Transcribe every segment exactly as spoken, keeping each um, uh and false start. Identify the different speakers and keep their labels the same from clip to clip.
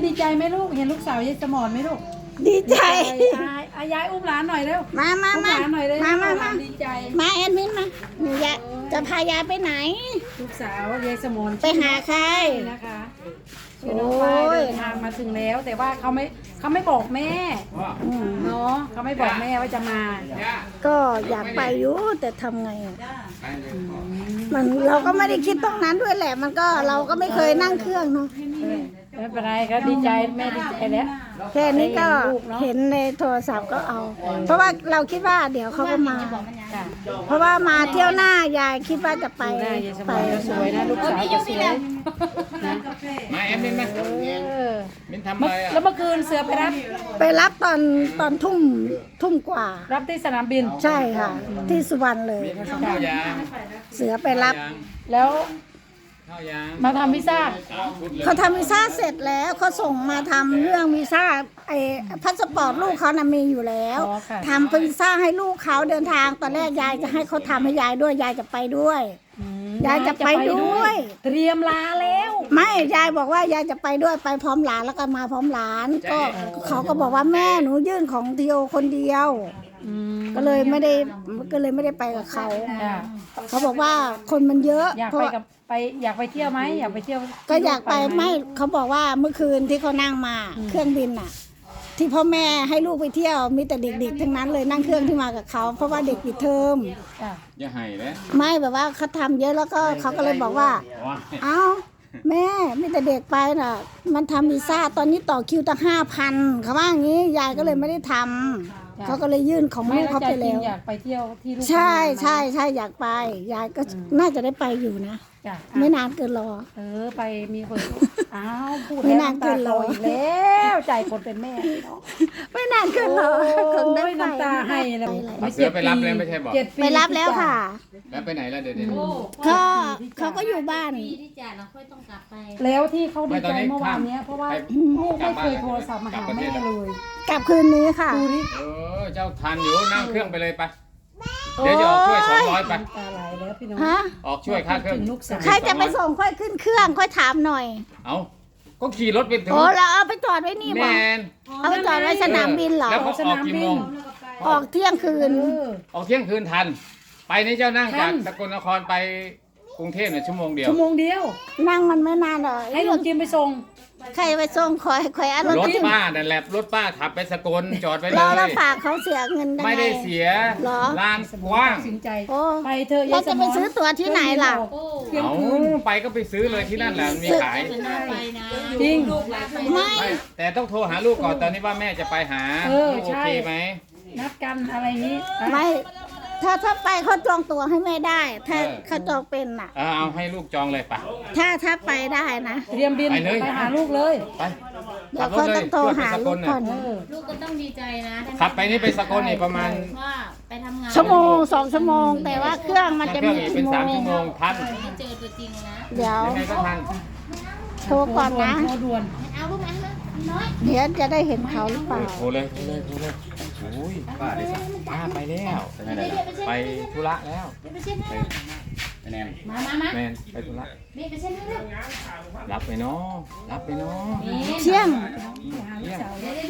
Speaker 1: ดีใจไหมลูกเห็นลูกสาวยายสมรไหมลูก
Speaker 2: ดีใจ
Speaker 1: อายายอุ้มหลานหน่อยเร็ว
Speaker 2: มามามา
Speaker 1: หลานหน่อยเร็ว
Speaker 2: มามามา
Speaker 1: ดีใจ
Speaker 2: มาแอดมินมาหนูจะจะพายายไปไหน
Speaker 1: ลูกสาวยายสมร
Speaker 2: ไปหาใคร
Speaker 1: นะคะชื่อน้องฝ้ายเดินทางมาถึงแล้วแต่ว่าเขาไม่เขาไม่บอกแม่เนาะเขาไม่บอกแม่ว่าจะมา
Speaker 2: ก็อยากไปอยู่แต่ทำไงอ่ะมันเราก็ไม่ได้คิดตรงนั้นด้วยแหละมันก็เราก็ไม่เคยนั่งเครื่องเนาะ
Speaker 1: ไม่เป็นไรก็ดีใจแม่ดีใจแล้ว
Speaker 2: แค่นี้ก็เห็นในโทรศัพท์ก็เอาเพราะว่าเราคิดว่าเดี๋ยวเขาก็มาเพราะว่ามาเที่ยวหน้ายายคิดว่าจะไป
Speaker 1: ไปสวยนะลูกสาวก็สวย
Speaker 3: มาแอมมินมามินทำอะไรอ่ะ
Speaker 1: แล้วเมื่อคืนเสือไปรับ
Speaker 2: ไปรับตอนตอนทุ่มทุ่มกว่า
Speaker 1: รับที่สนามบิน
Speaker 2: ใช่ค่ะที่สุวรรณเลยเสือไปรับ
Speaker 1: แล้วมาทำวีซ่า
Speaker 2: เขาทำวีซ่าเสร็จแล้วเขาส่งมาทำเรื่องวีซ่าไอ้พาสปอร์ตลูกเขานะมีอยู่แล้วทำวีซ่าให้ลูกเขาเดินทางตอนแรกยายจะให้เขาทำให้ยายด้วยยายจะไปด้วยยายจะไปด้วย
Speaker 1: เตรียมลาแล้ว
Speaker 2: ไม่ยายบอกว่ายายจะไปด้วยไปพร้อมหลานแล้วก็มาพร้อมหลานก็เขาก็บอกว่าแม่หนูยื่นของทีโอคนเดียวก็เลยไม่ได้ก็เลยไม่ได้ไปกับเขาเขาบอกว่าคนมันเยอะ
Speaker 1: อยากไปกับไปอยากไปเที่ยวไหมอยากไปเที่ยว
Speaker 2: ก็อยากไปไม่เขาบอกว่าเมื่อคืนที่เขานั่งมาเครื่องบินน่ะที่พ่อแม่ให้ลูกไปเที่ยวมีแต่เด็กๆทั้งนั้นเลยนั่งเครื่องที่มากับเขาเพราะว่าเด็กปิดเทอม
Speaker 3: อย่าให้เลย
Speaker 2: ไม่แบบว่าเขาทำเยอะแล้วก็เขาก็เลยบอกว่าเอ้าแม่มีแต่เด็กไปน่ะมันทำวีซ่าตอนนี้ต่อคิวตั้งห้าพันเขาว่าอย่างนี้ยายก็เลยไม่ได้ทำเขาก็เลยยื่นของลูกเขาไปแล้ว
Speaker 1: อยากไปเที่ยวที่ลูก
Speaker 2: ใช่ใช่ใช่อยากไปยายก็น่าจะได้ไปอยู่นะไม่นานเกินรอ
Speaker 1: เออไปมีคนอ้าวพูดไม่นานเกินรออีกแล้วใจคนเป็นแม่
Speaker 2: ไม่นานเกินรอคงได้
Speaker 1: น้ำตาให้แล้ว
Speaker 3: เสือไปรับแล้วไม่ใช่บอก
Speaker 2: ไปรับแล้วค่ะ
Speaker 3: แล้วไปไหนแล้วเดี๋ยวนี้
Speaker 2: ก็เขาก็อยู่บ้าน
Speaker 4: ที่จ่าเราค่อยต้องกลับไป
Speaker 1: แล้วที่เขาดีใจเมื่อวานนี้เพราะว่าลูกไม่เคยโทรศัพท์มาหาแม่เลย
Speaker 2: กลับคืนนี้ค่ะ
Speaker 3: เออเจ้าทันอยู่นั่งเครื่องไปเลยไปเดี๋ยวจะออกช่วยสองร้อยไป
Speaker 2: ฮะ
Speaker 3: ออกช่วยค่าเครื่อง
Speaker 2: ใครจะไปส่งค่อยขึ้นเครื่องค่อยถามหน่อย
Speaker 3: เอาก็ขี่รถไปถึง
Speaker 2: โอ้แล้วเอาไปจอดไว้นี่
Speaker 3: บ่
Speaker 2: เอาไปจอดไว้สนามบินเหรอ
Speaker 3: แล้วเขาออกกี่โมง
Speaker 2: ออกเที่ยงคืน
Speaker 3: ออกเที่ยงคืนทันไปนี่เจ้านั่งจากสกลนครไปกรุงเทพเนี่ยชั่วโมงเดียว
Speaker 1: ชั่วโมงเดียว
Speaker 2: นั่งมันไม่นานหรอก
Speaker 1: ให้ลุงจิมไปส่ง
Speaker 2: ใครไปส่งคอยคอยอัน
Speaker 3: รถป้าแต่แหลบรถป้าขับไปสกลจอดไปเลย
Speaker 2: แล้วฝากเขาเสียเงิน
Speaker 3: ไม่ได้เสียลานกว้าง
Speaker 1: สินใจไปเธอ
Speaker 2: เราจะไปซื้อตั๋วที่ไหนล่ะ
Speaker 3: เอาไปก็ไปซื้อเลยที่นั่นแหละมีขาย
Speaker 1: จริง
Speaker 2: ไม่
Speaker 3: แต่ต้องโทรหาลูกก่อนตอนนี้ว่าแม่จะไปหาโอเคไหม
Speaker 1: นัดกันอะไรนี้
Speaker 2: ไม่ถ้าถ้าไปเขาจองตั๋วให้แม่ได้ถ้าเขาจองเป็นน่ะ
Speaker 3: เอาให้ลูกจองเลยปะ
Speaker 2: ถ้าถ้าไปได้นะ
Speaker 1: เตรียมบินไปหาลูกเลย
Speaker 3: ไป
Speaker 2: เดี๋ยวเขาต้องโทรหาลูกก่อน
Speaker 4: ลูกก็ต้องดีใจนะ
Speaker 3: ขับไปนี่ไปสกลนี่ประมาณ
Speaker 4: ว่าไปทำงาน
Speaker 2: ชั่วโมงสองชั่วโมงแต่ว่าเครื่องมันจะมี
Speaker 3: เป็นสามชั่วโมงทัน
Speaker 4: เจอตัวจริงนะ
Speaker 2: เดี๋ยว
Speaker 3: ยังไงก็ทัน
Speaker 2: โทรก่อนนะ
Speaker 1: โทรด่วน
Speaker 4: เอาลูกนั้นนะน้อย
Speaker 2: เดี๋ยวจะได้เห็นเขาหรือเปล่า
Speaker 3: โทรเลยโทรเลยโทรเลยโอ้ยป้าได้สักป้าไปแล้วไปธุระแล้วไปแนน
Speaker 4: มามามา
Speaker 3: แนนไปธุระ
Speaker 4: นี่ไปเช่นนี้
Speaker 3: รับไปเนาะรับไปเนาะ
Speaker 2: เที่ยง
Speaker 3: เที่ยง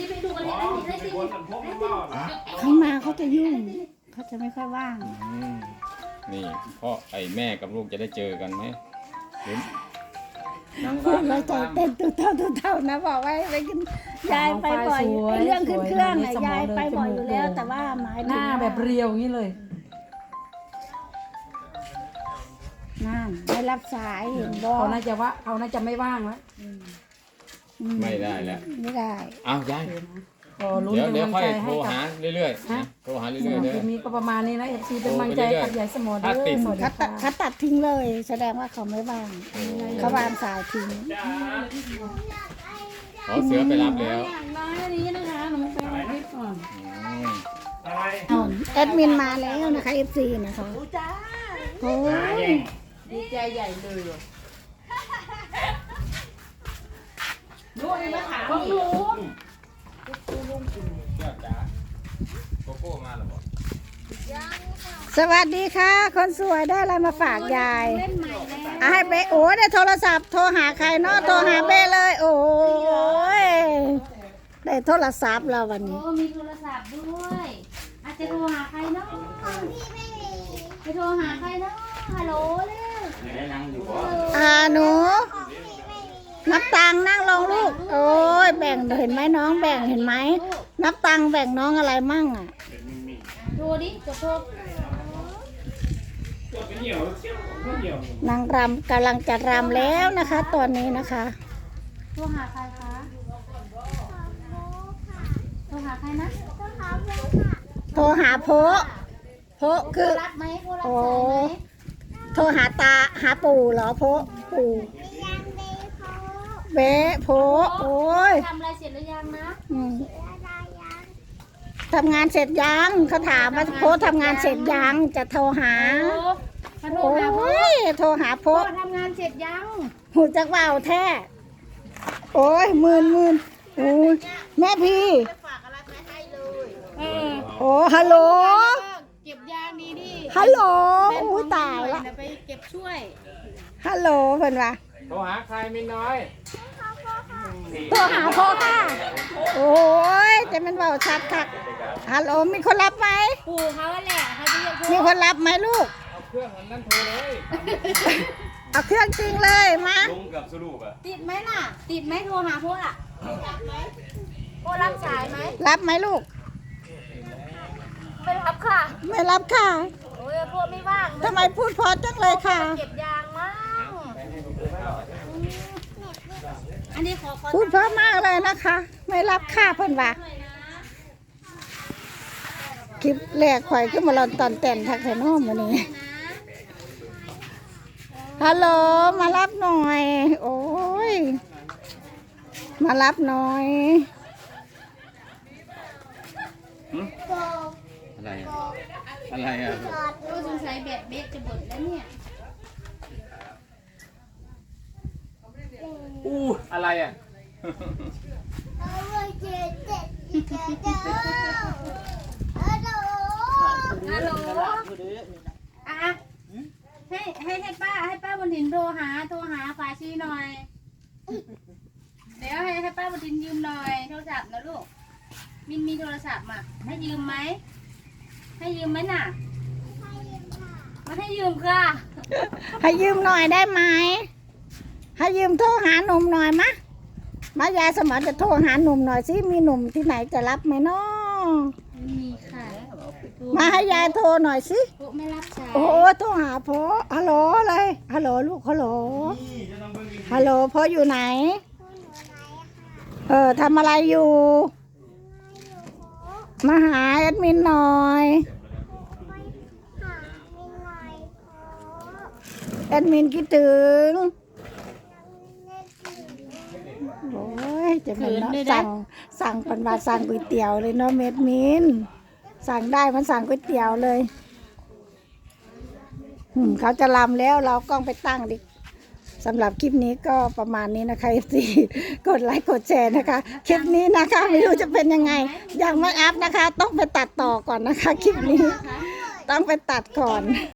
Speaker 2: เขามาเขาจะยุ่งเขาจะไม่ค่อยว่าง
Speaker 3: นี่พ่อไอ้แม่กับลูกจะได้เจอกันไหมเห็น
Speaker 2: เราใจเต้นตัวเท่าตัวเท่านะบอกไว้ไปกินยายไปบ่อยเรื่องขึ้นเครื่องยายไปบ่อยอยู่แล้วแต่ว่าหมาย
Speaker 1: หน้าแบบเรียวอย่างนี้เลย
Speaker 2: นั่นไม่รับสายเห็นบอก
Speaker 1: เขาน่าจะว่าเขาน่าจะไม่ว่างแล้ว
Speaker 3: ไม่ได้แล้ว
Speaker 2: ไม่ได้
Speaker 3: อ้าวยายเดี๋ยวเดี๋ยวค่อยโทรหาเรื่อยๆโทรหาเรื่อยๆเลย
Speaker 1: มีก็ประมาณนี้นะเอฟซีเป็นกำลังใจกับยายสมอด้วย
Speaker 2: เขาตัดทิ้งเลยแสดงว่าเขาไม่ว่างเขาวางสายทิ้ง
Speaker 3: ขอเสือไปรับแล้ว
Speaker 1: น้อยนี้นะคะหนูไปคลิปก่อน
Speaker 2: แอดมินมาแล้วนะคะเอฟซีนะคะโอ้ย
Speaker 1: ดีใจใหญ่เลยลูกนี่มาถามหนู
Speaker 2: สวัสดีค่ะคนสวยได้อะไรมาฝากยายให้ไปโอ้ได้โทรศัพท์โทรหาใครเนาะโทรหาเบ้เลยโอ้ยได้โทรศัพท์แล้ววัน
Speaker 4: โอ้
Speaker 2: นี้
Speaker 4: มีโทรศัพท์ด้วยอาจจะโทรหาใครเนาะจะโทรหาใครเนาะฮัลโหลเร็ว
Speaker 2: อ่าหนูนับตังค์นั่งลงลูก โอ้ยแบ่งเห็นไหมน้องแบ่งเห็นไหมนับตังค์แบ่งน้องอะไรมั่งอ่ะ
Speaker 4: โทรดิกดโทร
Speaker 2: นางรำกำลังจะรำแล้วนะคะ ตอนนี้นะคะ
Speaker 4: โทรหาใครคะโทรหาใครนะ
Speaker 2: โทรหาโพะโพะคือ
Speaker 4: รับไหมโทรรับ
Speaker 2: โอ้
Speaker 4: สายไหม
Speaker 2: โทรหาตาหาปู่เหรอโพะปู่เบ๊ะโพะโอ้ย
Speaker 4: ทำอะไรเสร็จหรือยังนะ
Speaker 2: อืมทำงานเสร็จยังเขาถามว่าโพะทำงานเสร็จยังจะโทรหา
Speaker 4: มาโทร
Speaker 2: โอ้
Speaker 4: หาพ่อย
Speaker 2: โทรหาโพะ
Speaker 4: ทำงานเสร็จยัง
Speaker 2: หูจักว่าวแท้โอ้ยหมื่นหมื่นโอ้ยแม่พี่
Speaker 4: เออ
Speaker 2: โอ้ฮัลโหล
Speaker 4: เก็บยางดีดิ
Speaker 2: ฮัลโหลอู้ตายละ
Speaker 4: ไปเก็บช่วย
Speaker 2: ฮัลโหลเพิ่นว่า
Speaker 3: โทรหาใครมินน้อย
Speaker 2: โทรหาพ่อค่ะ โอ้ยจะมันเบาชัดคักฮัลโหลมีคนรับไหม
Speaker 4: ปู่เขาแหละเขาจะเรียก
Speaker 2: มีคนรับไหมลูก
Speaker 3: เอาเครื่องอันนั้นโทรเลย
Speaker 2: เอาเครื่องจริงเลยมา
Speaker 3: ลงกับสรุปอะ
Speaker 4: ติดไหมน่ะ ติดไหมโทรหาพ่ออ่ะพ่อรับสายไหม
Speaker 2: รับไหมลูก
Speaker 4: ไม่รับค่ะ
Speaker 2: ไม่รับค่ะ
Speaker 4: โอ้ยพ่อไม่ว่าง
Speaker 2: ทำไมพูดเพอจังเลยค่ะ
Speaker 4: เก็บยางมั้งอันนี้ขอขอ
Speaker 2: พูดเพราะมากเลยนะคะ ไม่รับค่าเพิ่นว่า
Speaker 4: หน่อยนะ
Speaker 2: คลิปแรกข่อยขึ้นมาลอนตอนแต่นทักแถนอ้อมวันนี้ ฮัลโหลมารับหน่อย โอ้ย มารับหน่อย
Speaker 3: อะไรอะอะไรอะ
Speaker 4: ก็สงสัยแบตเบสจะหมดแล้วเนี่ย
Speaker 3: อู้อะไรอะ
Speaker 4: ฮัลโหลอ่ะให้ให้ให้ป้าให้ป้าบนถินโทรหาโทรหาฝาชีหน่อย เดี๋ยวให้ให้ป้าบนถินยืมหน่อยโทรศัพท์นะลูก มินมีโทรศัพท์มาให้ยืมไหม ให้ยืมไหมน่ะมาให้ยืมค่ะ
Speaker 2: ให้ยืมหน่อยได้ไหม ให้ยืมโทรหาหนุ่มหน่อยมะ มายายสมรจะโทรหาหนุ่มหน่อยสิ มีหนุ่มที่ไหนจะรับไหมน้อ
Speaker 4: มีค่ะ
Speaker 2: มาให้ยายโทรหน่อยสิ
Speaker 4: ปุ๊ไม่รับสาย
Speaker 2: โอ้โทรหาพ่อฮัลโหลอะไรฮัลโหลลูกฮัลโหลฮัลโหลพ่ออยู่ไหน เออทำอะไรอยู่ มาหาแอดมินหน่อยแอดมินคิดถึงโอ้ยจะเป็นเนาะสั่งสั่งปันบาสั่งก๋วยเตี๋ยวเลยเนาะเม็ดมินสั่งได้มันสั่งก๋วยเตี๋ยวเลยอืมเขาจะลำแล้วเรากล้องไปตั้งดิสำหรับคลิปนี้ก็ประมาณนี้นะคะ เอฟ ซี กดไลค์กดแชร์นะคะ คลิปนี้นะคะไม่รู้จะเป็นยังไง ยังไม่อัพนะคะ ต้องไปตัดต่อก่อนนะคะ คลิปนี้ต้องไปตัดก่อน